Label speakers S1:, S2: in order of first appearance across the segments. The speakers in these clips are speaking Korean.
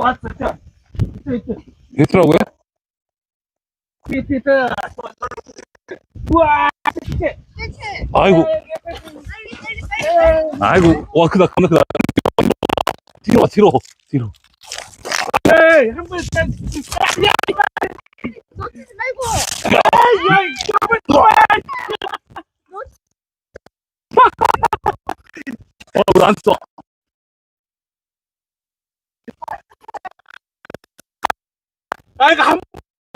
S1: 왔어. 자, 이트.
S2: 히트라고요?
S1: 히트. 우와, 이트.
S2: 아이고, 아이고, 와, 크다, 겁나 크다. 뒤로 와, 뒤로.
S1: 에이, 한 번, 야,
S3: 놓치지 말고.
S1: 야, 한번 더.
S2: 왜 안 써?
S1: 아, 이거 한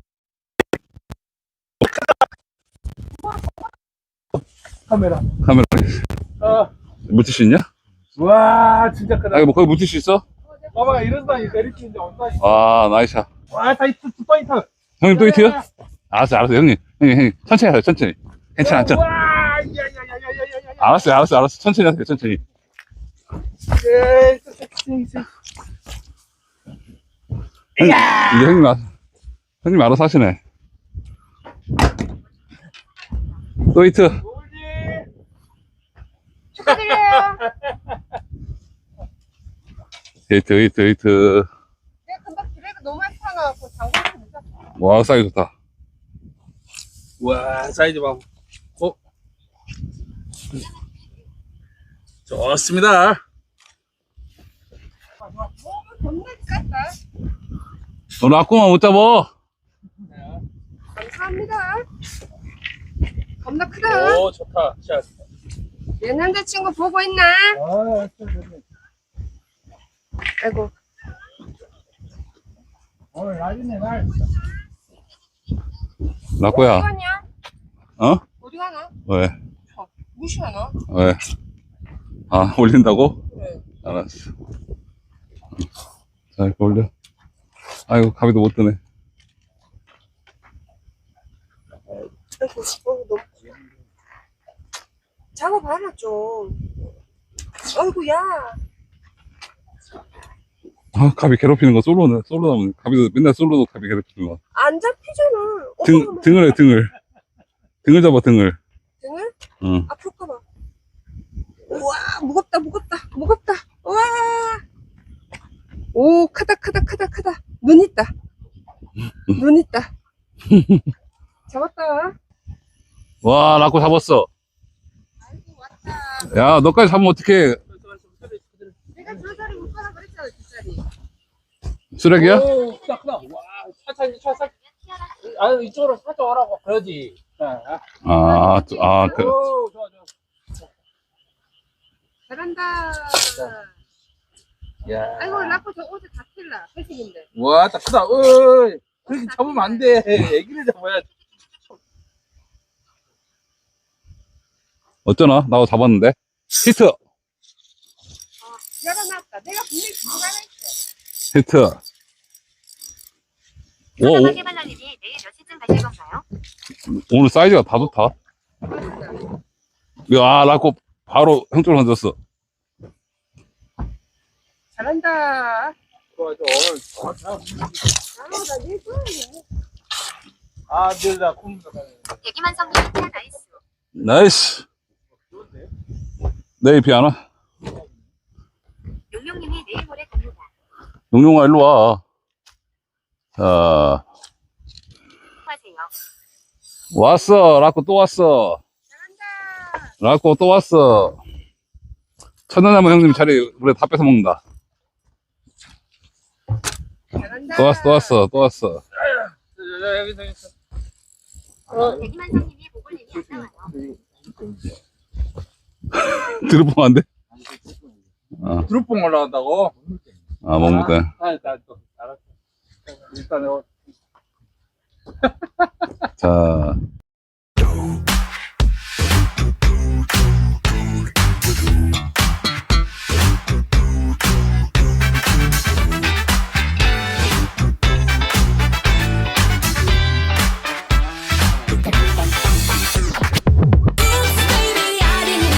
S1: 카메라.
S2: 묻힐 수 있냐?
S1: 와, 진짜 크다.
S2: 아, 뭐, 거기 묻힐 수 있어?
S1: 봐봐, 이런다니, 내리치 이제 온다니.
S2: 아, 나이스샷.
S1: 와, 다 히트, 또 히트.
S2: 형님 또 히트요? 알았어, 형님, 천천히 하세요, 천천히. 괜찮아,
S1: 와, 야야야야야야야.
S2: 알았어. 천천히 하세요, 천천히. 이제 형님 알아서 하시네. 또 히트.
S3: 축하드려요.
S2: 히트.
S3: 내가 금방 드래그 너무 많이 타나갖고 장갑을 못 샀어.
S2: 와, 사이즈 좋다.
S1: 와, 사이즈 봐. 좋습니다.
S3: 몸은 겁나 깠다.
S2: 너 라꾸만 못 잡아.
S3: 감사합니다. 겁나 크다.
S1: 오, 좋다. 샷.
S3: 내 남자친구 보고 있나?
S1: 아,
S3: 아이고.
S1: 오늘 날이네, 날.
S3: 어디
S2: 라꾸야.
S3: 가냐?
S2: 어?
S3: 어디 가나?
S2: 왜?
S3: 무시하나?
S2: 왜? 아, 올린다고?
S3: 네.
S2: 알았어. 자, 이렇게 올려. 아이고, 가비도 못 드네.
S3: 아이고, 너무. 잡아봐라, 좀. 아이고, 야.
S2: 아, 가비 괴롭히는 거 솔로 나오네. 가비도 맨날 솔로도 가비 괴롭히는 거.
S3: 안 잡히잖아.
S2: 등을 해, 등을. 등을 잡아, 등을.
S3: 등을?
S2: 응.
S3: 아플까봐. 우와, 무겁다. 우와. 오, 크다. 눈 있다. 잡았다.
S2: 와, 라꾸 잡았어.
S3: 아이고, 왔다.
S2: 야, 너까지 잡으면 어떡해.
S3: 내가 두 자리 못 가라 그랬잖아, 두 자리.
S2: 쓰레기야?
S1: 오, 크다. 와, 차. 아, 이쪽으로 살짝 오라고. 그러지. 자, 오, 좋아.
S3: 잘한다.
S1: 야.
S3: 아이고, 라코 저 옷에 다 찔라. 회식인데.
S1: 와, 딱 크다. 어이. 그렇게 잡으면 안 돼. 애기를 잡아야 돼.
S2: 어쩌나? 나도 잡았는데. 히트!
S3: 열어놨다. 내가 분명히 들어가라 했어.
S2: 히트! 오,
S4: 해발라님이 내일 몇 시쯤 가실 건가요?
S2: 오늘 사이즈가 다 좋다. 야, 라꾸 바로 형 쪽으로 던졌어.
S3: 잘한다.
S1: 좋아.
S3: 나 내일 좋아해.
S1: 아, 늘다 콩다.
S4: 대기만성님 히트 나이스.
S2: 나이스! 내일 비 안 와?
S4: 용용님이 내일 모레 갑니다.
S2: 용용아, 일로 와. 자,
S4: 수고하세요.
S2: 왔어. 라꾸 또 왔어.
S3: 잘한다.
S2: 라꾸 또 왔어. 천연나무 형님 자리 우리 다 뺏어 먹는다.
S3: 잘한다.
S2: 또 왔어.
S1: 여기 있어.
S4: 대기만성님이 보글님이 안 나와요.
S2: 들어보면 안 돼?
S1: 드롭봉 올라간다고?
S2: 아, 먹는데.
S1: 일단 또 알았어. 일단
S2: 자,